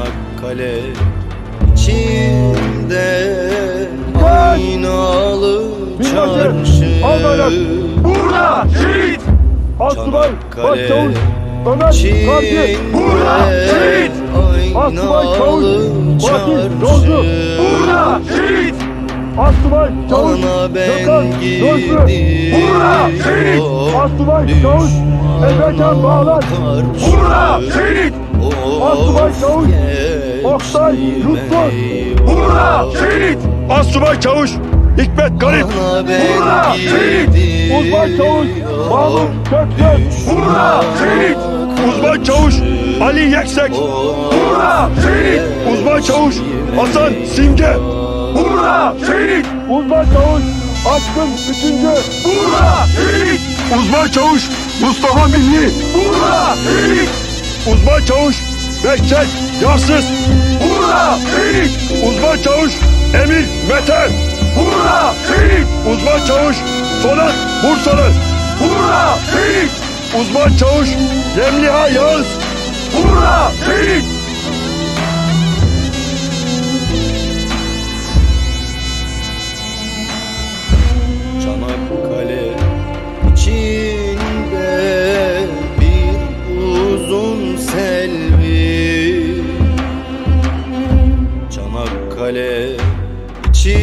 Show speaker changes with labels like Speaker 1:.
Speaker 1: Çanakkale içinde aynalı çarşı.
Speaker 2: Burada şehit! Asubay Başçavuş Ömer Karpi! Burada şehit! Asubay Çavuş Fatih Yolcu! Burada şehit! Asubay Çavuş Gökhan Gözlü! Burada şehit! Asubay Çavuş Efekan Bağlar! Burada şehit! Asubay Çavuş Oktay Yusuf! Burada şehit! Asubay Çavuş Hikmet Garip! Burada şehit! Uzman Çavuş Mahmut Köksöz! Burada şehit! Uzman Çavuş Ali Yeksek! Burada şehit! Uzman Çavuş Hasan Simge! Burada şehit! Uzman Çavuş Aşkın Üçüncü! Burada şehit! Uzman Çavuş Mustafa Milli! Burada şehit! Uzman Çavuş Behçet Yarsız! Burada şehit! Uzman Çavuş Emir Meten! Burada şehit! Uzman Çavuş Sonat Bursalı! Burada şehit! Uzman Çavuş Yemliha Yağız! Burada şehit!